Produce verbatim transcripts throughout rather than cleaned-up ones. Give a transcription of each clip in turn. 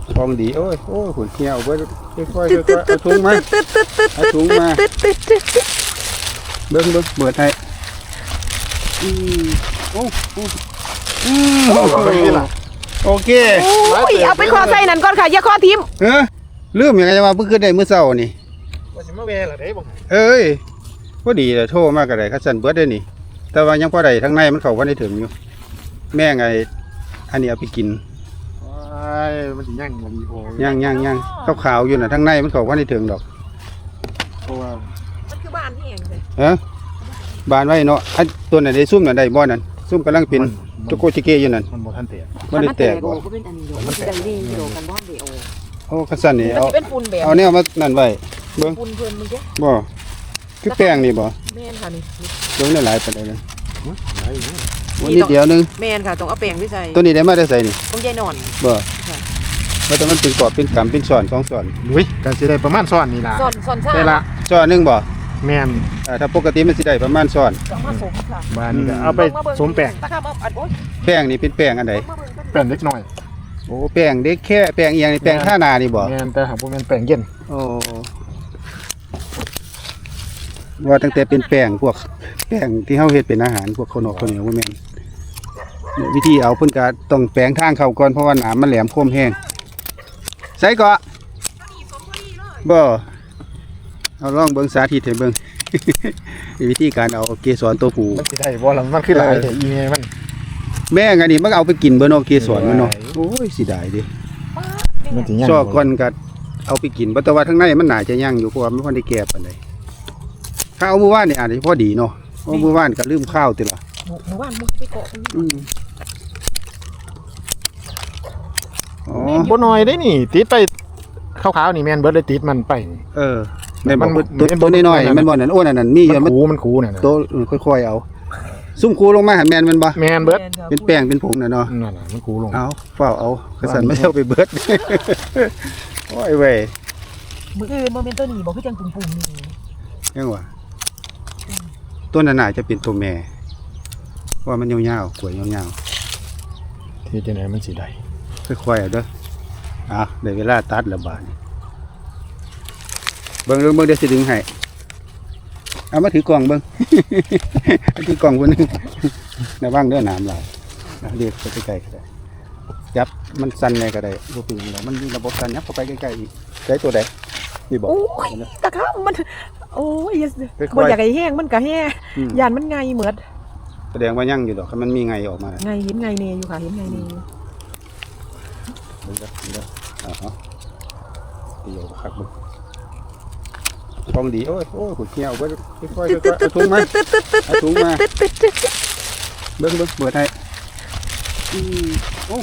ฟองดีโอ้ยโอ้ยขุนเขี้ยวเบิ้ลค่อยๆค่อยๆเอาถุงมาเอาถุงมาเบิ้งเบิ้งเบิดให้อืมโอ้โอ้อืมโอเคโอ้ยเอาไปขอใส่นั่นก่อนค่ะอย่าขอทิมเออลืมยังไงจะมาเพิ่งขึ้นได้เมื่อเช้านี่ว่าสิมาแวล่ะเด้บ่เอ้ยพอดีเลยโทรมากระไดคัดสันเบิดได้นี่แต่ว่ายังพอได้ทั้งในมันเข้าวันได้ถึงอยู่แม่ไงอันนี้เอาไปกินว้ายมันสิย่างบ่ดีพอย่างย่างย่างขาวๆอยู่น่ะทั้งในมันเข้าวันได้ถึงดอกเพราะว่ามันคือบ้านที่เองเลยฮะบานไว้เนาะอันตัวไหนได้ซุ่มน่ะได้บ่นั่นซุ่มกำลังเป็นโจโกชิเกอยู่นั่นมันบ่ทันแตกบ่ได้แตกบ่ก็เป็นอันนี้อยู่มันได้ดีอยู่กันบ่เดียวโอ้คัดสันนี่เอาเป็นฝุ่นแบบเอาแนวมานั่นไว้เบิ่งฝุ่นเพิ่นมึงเด้บ่คือแป้งนี่บ่แม่นค่ะนี่เบิ่งได้หลายปานใดเลยวันนี้เดียวนึงแม่นค่ะต้องเอาแป้งไปใส่ตัวนี้ได้มาได้ใส่นี่ต้องยายนอนบ่ว่าแต่มันเป็นกรอบเป็นกำเป็นช้อนสองช้อนอุ้ยก็สิได้ประมาณช้อนนี่ล่ะช้อนช้อนซ่าได้ละช้อนนึงบ่แม่นอ่าถ้าปกติมันสิได้ประมาณช้อนต้องมาสมค่ะบ้านนี่ก็เอาไปสมแป้งตะครับเอาอันโอ๊ยแป้งนี่เป็นแป้งอันใดแป้งเล็กน้อยโอ้แป้งเด็กแค่แป้งอีหยังนี่แป้งท่านานี่บ่แม่นแต่หากบ่แม่นแป้งเย็นโอ้ว่าตั้งแต่เป็นแป้งพวกแป้งที่เฮาเฮ็ดเป็นอาหารพวกข้าวนอกข้าวเหนียวบ่แม่นเนี่ยวิธีเอาเพิ่นก็ต้องแป้งทางเข้าก่อนเพราะว่าหนามมันแหลมคมแห้งใส่เกาะบ่เอาลองเบิ่งสาธิตให้เบิ่ง วิธีการเอาเกสรตัวผู้มันสิได้บ่ล่ะมันคือหลายแต่อีเมมันแม่งอันนี้มันเอาไปกินเบิ่เนาะเกสรมันเนาะโอ้ยสิได้ดิมันสิย่างซอกก่อนก็เอาไปกินบ่แต่ว่าข้างในมันน่าจะย่างอยู่เพราะว่ามันบ่ได้แก่ปานใดถ้าเอามื้อวานนี่อาจจะพอดีเนาะเอามื้อวานก็ลืมข้าวติล่ะมื้อวานมึงไปเกาะอืมอ๋อบ่น้อยได้นี่ติดไปขาวๆนี่แม่นเบิดเลยติดมันไปเออแม่นบ่ตัวน้อยๆมันบ่นั่นโอ้นั่นนั่นมีอยู่มันคูมันคูนั่นน่ะโตค่อยๆเอาซุ่มคูลงมาให้แม่นมันบ่แม่นเบิดเป็นแป้งเป็นผงน่ะเนาะนั่นน่ะมันคูลงเอาเฝ้าเอากระสันไม่เอาไปเบิดโอ้ยเว้ยมื้ออื่นบ่แม่นตัวนี้บ่คือจังปุ่มๆนี่ยังวะตัวนั้นน่าจะเป็นตัวแม่ว่ามันยาวๆกล้วยยาวๆที่จังได๋มันสิได้ค่อยๆเอาเด้ออ่ะได้เวลาตัดแล้วบาดนี้เบิ่งเบิ่งเบิ่งเดี๋ยวสิดึงให้เอามาถือกล่องเบิ่ง ถือกล่องคนนึงระวังเด้อน้ำไหลเรียกไปใกล้ๆก็ได้ยับมันสั่นในก็ได้บ่เป็นหยังมันมีระบบการยับเข้าไปใกล้ๆอีกได้ตัวใดนี่บ่โอ้ยตะครับมันโอ้ยบ่อยากให้แห้งมันก็แห้งย่านมันไงเหมือดแสดงว่ายังอยู่ดอกมันมีไงออกมาไงเห็นไงเนอยู่ค่ะเห็นไงเนอยู่เดี๋ยวเดี๋ยวอ๋อเดี๋ยวคักบุฟองดีโอ้ยโอ้ยขุนเขี้ยวเบิ้ลค่อยๆค่อยๆเอาถุงมาเอาถุงมาเบิ้งเบิ้งเบิดให้โอ้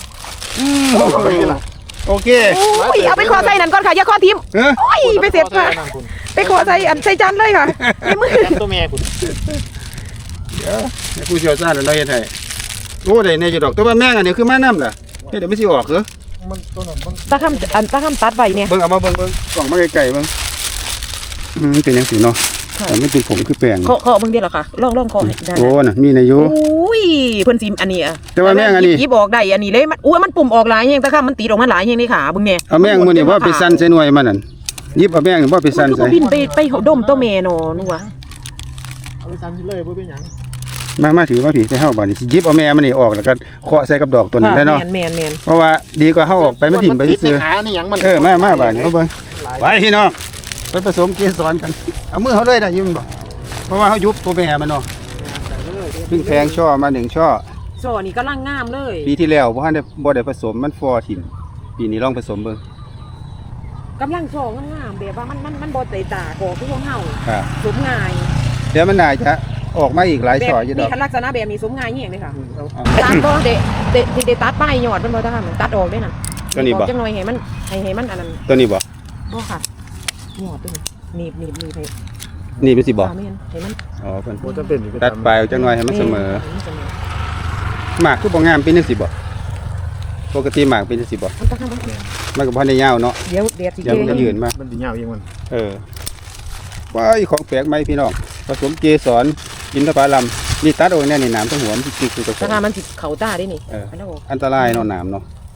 โอเคโอ้ยเอาไปขอใส่นั่นก่อนค่ะอย่าขอทิมโอ้ยไปเสร็จค่ะไปขอใส่อันใส่จานเลยค่ะในมือตัวแม่คุณเดี๋ยวผู้เชี่ยวชาญเราเห็นให้โอ้ได้ในจุดดอกตัวแม่งอันนี้คือแม่น้ำล่ะเดี๋ยวไม่สิออกเหรอมันตัวนั้นมันตาคำอันตาคำตัดไว้เนี่ยเบิ้งเอามาเบิ้งเบิ้งกล่องมาไกลๆเบิ้งอืมเป็นยังสีเนาะแต่ไม่เป็นผงคือแป้งเคาะเคาะเบิ้งเดียวหรอคะลองลองเคาะได้โอ้น่ะมีในยุอุ้ยเพิ่นซิมอันนี้อ่ะแต่ว่าแม่งอันนี้ยิบออกได้อันนี้เลยมันอุ้ยมันปุ่มออกหลายแฮงตาคำมันตีออกมาหลายแฮงนี่ค่ะเบิ้งเนี่ยเอาแม่งมื้อนี้ว่าไปสั่นใส่หน่วยมันนั่นยิบเอาแม่งว่าไปสั่นใส่บินไปไปดมตัวแม่เนาะนัวเอาไปสั่นเลยบ่เป็นหยังมามาถือมาผีใส่เฮาบาดนี้สิยิบเอาแม่มันนี่ออกแล้วก็เคาะใส่กับดอกตัวนั้นได้เนาะแม่นๆเพราะว่าดีกว่าเฮาออกไปมันถิ่มไปซื่อเออมามาบาดนี้เอาเบิ่งไปพี่น้องไปผสมเกสรกันเอามือเฮาเลยได้ยินบ่เพราะว่าเฮายุบตัวแม่มันเนาะเพิ่งแพงช่อมาหนึ่งช่อช่อนี่กำลังงามเลยปีที่แล้วบ่ทันได้บ่ได้ผสมมันฟอถิ่มปีนี้ลองผสมเบิ่งกำลังช่องามๆแบบว่ามันมันมันบ่เตะตาก่อคือของเฮาครับสมง่ายเดี๋ยวมันน่าจะออกมาอีกหลายช่ออยู่ดอกมีลักษณะแบบนี้สมง่ายแฮงเลยค่ะตัดบ่เดะเดะเดะตัดป้ายยอดมันบ่ได้ค่ะตัดออกได้น่ะตัวนี้บ่จังหน่อยให้มันให้ให้มันอันนั้นตัวนี้บ่บ่ค่ะยอดตัวนี้หนีบหนีบหนีบให้นี่เป็นสิบ่ให้มันอ๋อเพิ่นจะเป็นตัดปลายจังหน่อยให้มันเสมอหมากคือบ่งามเป็นจังซี่บ่ปกติหมากเป็นจังซี่บ่มันก็บ่ได้ยาวเนาะเดี๋ยวเดี๋ยวสิเดี๋ยวมันจะยืนมามันสิยาวเองมันเออว้ายของแปลกใหม่พี่น้องผสมเกสรอินทผลัมนี่ตัดโอ้ยแน่นี่หนามทั้งหัวมันจิกๆอยู่ตรงนั้นมันสิเข้าตาได้นี่อันตรายเนาะหนามเนาะ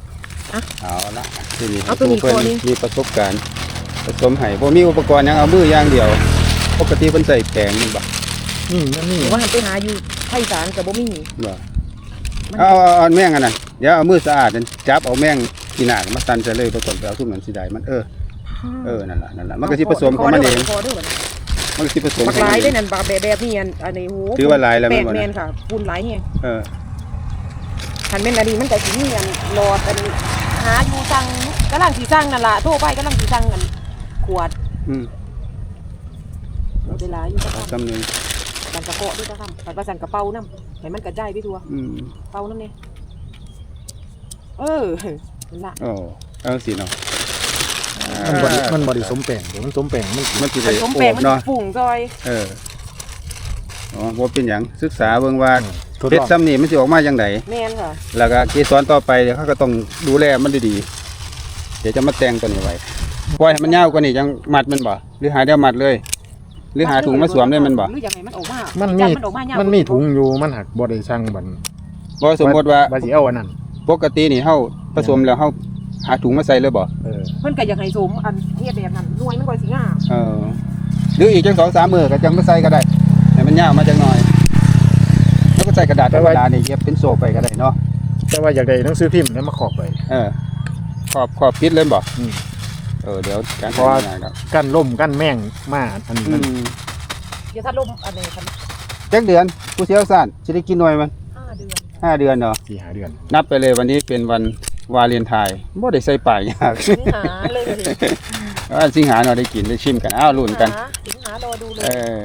อะเอาละทีนี้เอาตัวนี้เพิ่นก่อนนี่มีประสบการณ์ผสมให้บ่มีอุปกรณ์หยังเอามืออย่างเดียวปกติเพิ่นใส่แปรงมันบ่นี่มันนี่หรือว่าหันไปหาอยู่ไผ่สารกับบ่มีบ่มันเอาเอาเอาแม่งอันนั้นเดี๋ยวเอามือสะอาดนั่นจับเอาแม่งที่หน้ามาตันใส่เลยผสมไปเอาทุกเหมือนสิได้มันเออเออนั่นล่ะนั่นล่ะมันก็สิผสมของมันเองพอด้วยบ่เนี่ยมันก็สิผสมบักของหลามัยนเอได้งนั่นบาแบบแบบนี้อันอันนี้โหถือว่าหลายแล้วแม่แม่นบ่นแม่เนี่ยนค่ะปูนหลายแฮงเออคันแม่นอันนี้มันก็สิมีอันหลอดอันหาอยู่สั่งกำลังสิสั่งนั่นล่ะโทรไปกำลังสิสั่งอันขวดอืมเวลาอยู่ก็เอาทำจำหนึงกันกระเกาะด้วยก็ทำกันประสันกระเป๋าน้ำให้มันกระจายไปทั่วอืมเป๋าน้ำเนี่ยเออนั่นล่ะโอ้เอาสิเนาะมันบ่ได้มันบ่ได้สมแปลงเดี๋ยวมันสมแปลงมันมันสิผได้สมโอแป้งบมันเนาะสิฝุ่งซอยเอออ๋อบ่เป็นหยังศึกษาเบิ่งว่าทดเพชลรองซ้ำนี่มันสิออกมาจังไดแม่นค่ะแล้วก็เกสรต่อไปเดี๋ยวเขาก็ต้องดูแลมันดีๆเดี๋ยวจะมาแต่งตัวนี้ไว้ปล่อยให้มันยาวกว่านี้จังมัดมันบ่หรือหาเดียวมัดเลย หรือหาถุงมาสวมได้มันบ่หรือยังไงมันออกมามันจัมีบมันออกมามัมันมีถุงอยู่มันหักบ่ได้ช่างบันบ่สมมติว่าว่าสิเอาอันนั้นปกตินี่เฮาผสมแล้วเฮาหาถุงมาใส่เลยบ่เออเพิ่นก็อยากให้สมอันเฮ็ดแบบนั้นหน่วยมันก็สิงามเออหรืออีกจังสองสามมื้อก็จังมาใส่ก็ได้ให้มันยาวมาจังหน่อยแล้วก็ใส่กระดาษธรรมดานี่เย็บเป็นโซ่ไปก็ได้เนาะแต่ว่าอยากได้หนังสือพิมพ์แล้วมาขอบไปเออขอบขอบปิดเลยบ่อืมเออเดี๋ยวการเพราะว่าทำงานครับกั้นล่มกั้นแม่งมาอันนี้อืมันมเดี๋ยวถ้าลมอันนี้คันจักเดือนผู้เชี่ยวชาญสิได้กินหน่วยมันห้าเดือนห้าเดือนเนาะสี่หาเดือนนับไปเลยวันนี้เป็นวันวาเลนไทน์บ่ได้ใส่ป้ายยากสิงหาเลยว่าสิงหาเราได้กินได้ชิมกันอ้าวลุ้นกันสิงหารอดูเลยเออ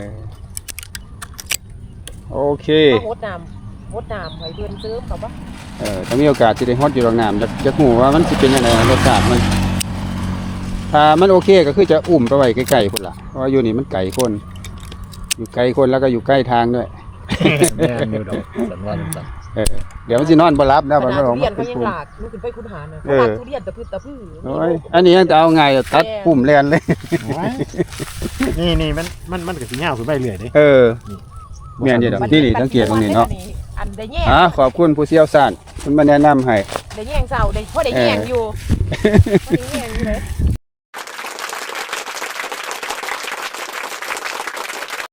โอเคเอาหดน้ำหดน้ำไว้เดือนเสริมเขาปะเออถ้ามีโอกาสสิได้ฮอดอยู่โรงน้ำจะจะหูว่ามันสิเป็นยังไงรสชาติมัน ถ้ามันโอเคก็คือจะอุ่มไปไว้ใกล้ๆพุ่นล่ะเพราะว่าอยู่นี่มันไกลคน อยู่ไกลคนแล้วก็อยู่ใกล้ทางด้วยแม่นอยู่ดอกสันว่าจังซั่นเออเดี๋ยวมันสินอนบ่รับแล้วขมันนาบ่ดออกทุมาเรียนเป็เขานยังปุ่มหลากลูกขึ้นไปคุณหานะเอเขาอหลากทุเรียนตะพื้นตะพื้นโอ้ยอันนี้ยังจะเอาไงอะตัดปุ่มแลนเลยโอ้ยนี่นี่มันมันมันก็สิยาวขึ้นไปเรื่อยเด้เออ แม่นอยู่ดอก ที่นี่สังเกตตรงนี้เนาะอันได้แย่งอ่ะขอบคุณผู้เชี่ยวชาญเพิ่นมาแนะนำให้ได้แย่งเสาได้เพราะได้แย่งอยู่เพราะได้แย่งอยู่เลย